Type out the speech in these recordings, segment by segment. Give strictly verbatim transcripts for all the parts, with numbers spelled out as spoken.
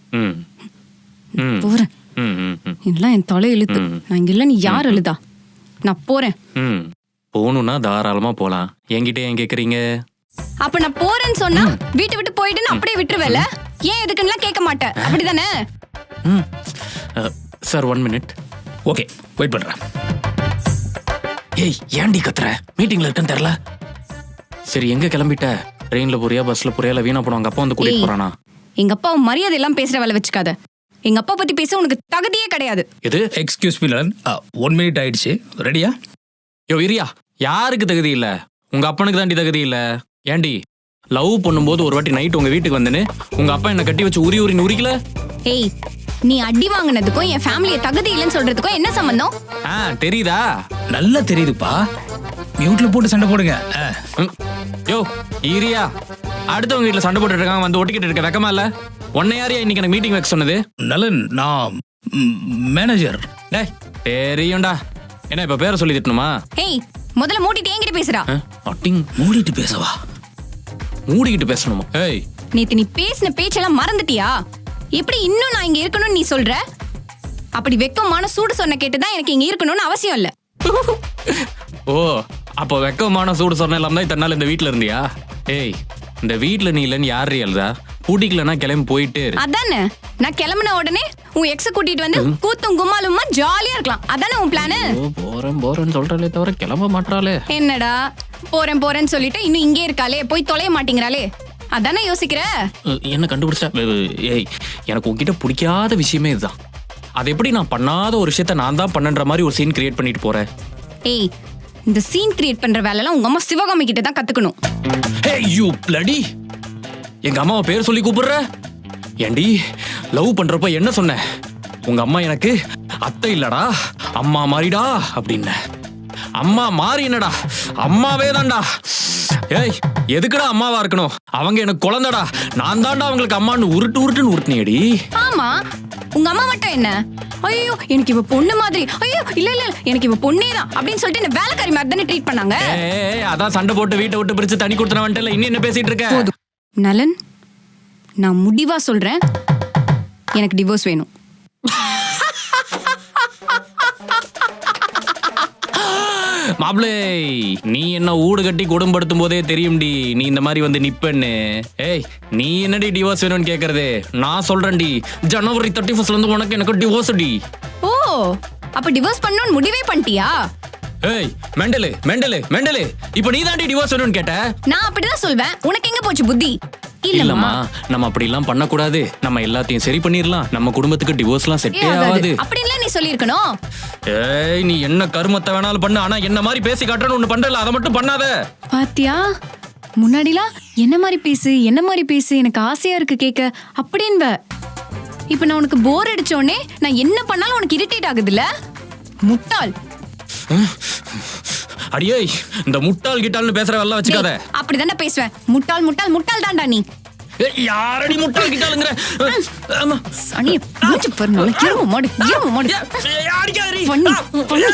ம் ம் போறேன். ம் ம் ம் எல்லாம் என் தலை இழுத்து. நான் இங்க இல்ல, நீ யார் எழுதா? நான் போறேன். ம் போகணும்னா தாராளமா போலாம். என்கிட்ட ஏன் கேக்குறீங்க? அப்ப நான் போறேன்னு சொன்னா வீட்டை விட்டு போயிட்டு அப்படியே விட்டுருவேல? ஏன் எதுக்குன்னா கேட்க மாட்டேன், அப்படிதானே? ம் sir one minute. Okay, wait பண்றேன். ஏய் ஏன்டி கத்துற? மீட்டிங்ல இருக்கேன்னு தெரியல. சரி எங்க கிளம்பிட்ட? ட்ரெயின்ல போறியா, பஸ்ல போறியா, இல்ல வீணா போனவங்க அப்பா வந்து கூட்டிட்டு போறானா? எங்க அப்பா மரியாதை எல்லாம் பேசுற வேலை வச்சுக்காத. எங்க அப்பா பத்தி பேச உனக்கு தகுதியே கிடையாது. எது? எக்ஸ்கியூஸ் மீ லன், ஒன் மினிட் ஆயிடுச்சு. ரெடியா? யோ இரியா, யாருக்கு தகுதி இல்ல? உங்க அப்பனுக்கு தாண்டி தகுதி இல்ல. ஏண்டி லவ் பண்ணும்போது ஒரு வாட்டி நைட் உங்க வீட்டுக்கு வந்தேன்னு உங்க அப்பா என்ன கட்டி வச்சு உரி உரி உரிக்கல? ஏய், நீ அடி வாங்கினதுக்கும் என் ஃபேமிலிய தகுதி இல்லைன்னு சொல்றதுக்கும் என்ன சம்பந்தம்? ஆ தெரியுதா? நல்லா தெரியுதுப்பா. மியூட்ல போட்டு சண்டை போடுங்க. ம். யோ ஈரியா, அடுத்தவங்க வீட்டுல சண்டை போட்டுட்டு இருக்காங்க, வந்து ஒட்டிக்கிட்டு இருக்க வெக்கமா இல்ல? உன்னை யாரையா இன்னைக்கு எனக்கு மீட்டிங் வைக்க சொன்னது? நலன், நான் மேனேஜர். டேய் தெரியும்டா. என்ன இப்ப பேரை சொல்லி திட்டணுமா? ஏய், முதல்ல மூடிட்டு என்கிட்ட பேசுறா. அட்டிங் மூடிட்டு பேசவா? மூடிக்கிட்டு பேசணுமா? ஏய் நேத்து நீ பேசின பேச்செல்லாம் மறந்துட்டியா? எப்படி இன்னும் நான் இங்க இருக்கணும்னு நீ சொல்ற? அப்படி வெக்கமான சூடு சொன்ன கேட்டுதான் எனக்கு இங்க இருக்கணும்னு அவசியம் இல்ல. ஓ அப்போ வெக்கமான சூடு சொன்ன இல்லாம தான் இத்தனை நாள் இந்த வீட்டுல இருந்தியா? ஏய் இந்த வீட்டுல நீ இல்லன்னு யாரு எழுதா? பூட்டிக்கலன்னா கிளம்பி போயிட்டே இரு. அதானே, நான் கிளம்பின உடனே உன் எக்ஸ கூட்டிட்டு வந்து கூத்தும் கும்மாலுமா ஜாலியா இருக்கலாம். அதானே உன் பிளானு? போறேன் போறேன்னு சொல்றாளே தவிர கிளம்ப மாட்டாளே. என்னடா போறேன் போறேன்னு சொல்லிட்டு இன்னும் இங்கே இருக்காளே, போய் தொலைய மாட்டேங்கிறாளே, அதானே யோசிக்கிற? என்ன கண்டுபிடிச்சா? ஏய் எனக்கு உன்கிட்ட பிடிக்காத விஷயமே இதுதான். அது எப்படி நான் பண்ணாத ஒரு விஷயத்த நான் தான் பண்ணன்ற மாதிரி ஒரு சீன் கிரியேட் பண்ணிட்டு போறேன். ஏய், இந்த சீன் கிரியேட் பண்ற வேலைலாம் உங்க அம்மா சிவகாமி கிட்ட தான் கத்துக்கணும். ஹே யூ ப்ளடி, எங்க அம்மாவை பேர் சொல்லி கூப்பிடுற? ஏண்டி லவ் பண்றப்ப என்ன சொன்ன? உங்க அம்மா எனக்கு அத்தை இல்லடா அம்மா மாறிடா அப்படின்னு. அம்மா மாறி என்னடா, அம்மாவே தான்டா. ஏய் எதுக்குடா அம்மாவா இருக்கணும்? அவங்க எனக்கு குழந்தைடா, நான் தான்டா அவங்களுக்கு அம்மான்னு உருட்டு உருட்டுன்னு உருட்டுனியடி. ஆமா, உங்க அம்மா மட்டும் என்ன, ஐயோ எனக்கு இவ பொண்ணு மாதிரி, ஐயோ இல்ல இல்ல எனக்கு இவ பொண்ணே தான் அப்படின்னு சொல்லிட்டு என்ன வேலைக்காரி மாதிரி தானே ட்ரீட் பண்ணாங்க. ஏய் அதான் சண்டை போட்டு வீட்டை விட்டு பிரிச்சு தனி கொடுத்தன வந்துட்டல, இன்னும் என்ன பேசிட்டு இருக்க? நலன், நான் முடிவா சொல்றேன், எனக்கு டிவோர்ஸ் வேணும். மாப்ளே, நீ என்ன ஊடு கட்டி குடும்பப்படுத்தும் போதே தெரியும்டி நீ இந்த மாதிரி வந்து நிப்பன்னு. ஏய் நீ என்னடி டிவோர்ஸ் வேணும்னு கேக்குறது? நான் சொல்றேன்டி, ஜனவரி தேர்ட்டி ஃபர்ஸ்ட்ல இருந்து உனக்கு எனக்கு டிவோர்ஸ் டி. ஓ அப்ப டிவோர்ஸ் பண்ணணும்னு முடிவே பண்ணிட்டியா? ஏய் மெண்டலு மெண்டலு மெண்டலு, இப்போ நீ தாண்டி டிவோர்ஸ் வேணும்னு கேட்ட. நான் அப்படிதான் சொல்வேன், உனக்கு எங்க போச்சு புத்தி? இல்லம்மா, நம்ம அப்படி எல்லாம் பண்ண கூடாது. நம்ம எல்லாத்தையும் சரி பண்ணிரலாம். நம்ம குடும்பத்துக்கு டிவோர்ஸ்லாம் செட்டே ஆகாது அப்படின்ல நீ சொல்லிருக்கணும். ஏய் நீ என்ன கருமத்தை வேணாலும் பண்ணு, ஆனா என்ன மாதிரி பேசி காட்டறன்னு ஒண்ணு பண்றல, அத மட்டும் பண்ணாத. பாத்தியா, முன்னாடிலாம் என்ன மாதிரி பேசு என்ன மாதிரி பேசு எனக்கு ஆசையா இருக்கு கேட்க அப்படின்ப. இப்ப நான் உனக்கு போர் அடிச்சோடனே நான் என்ன பண்ணாலும் உனக்கு இரிட்டேட் ஆகுதுல்ல? முட்டாள். அடியே இந்த முட்டாள் கிட்டால்னு பேசுற வேலை வச்சுக்காத. அப்படிதானே பேசுவேன், முட்டாள் முட்டாள் முட்டாள் தான்டா நீ. யாரடி முட்டாள் கிட்டாளுங்கற? ஆமா சனி மூச்சு பர்னல இரும மாடு இரும மாடு. அடிக்காதடி. பண்ணி பண்ணி.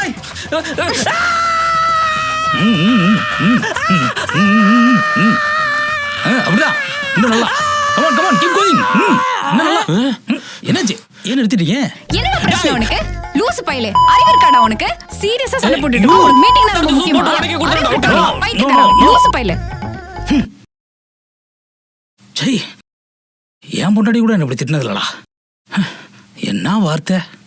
அப்படிதான் இன்னும் நல்லா. come on come on keep going. இன்னும் நல்லா. என்னாச்சு, ஏன் நிறுத்திட்டீங்க? என்ன பிரச்சனை உனக்கு? லூசு பையலே, அறிவு இருக்காடா உனக்கு? சீரியஸா சண்டை போட்டுட்டு இருக்க, ஒரு மீட்டிங் நடந்து முக்கியமா பைத்தியக்கார லூசு பையலே. சரி, என் பொண்டாட்டி கூட என்ன இப்படி திட்டினது இல்லடா. என்ன வார்த்தை?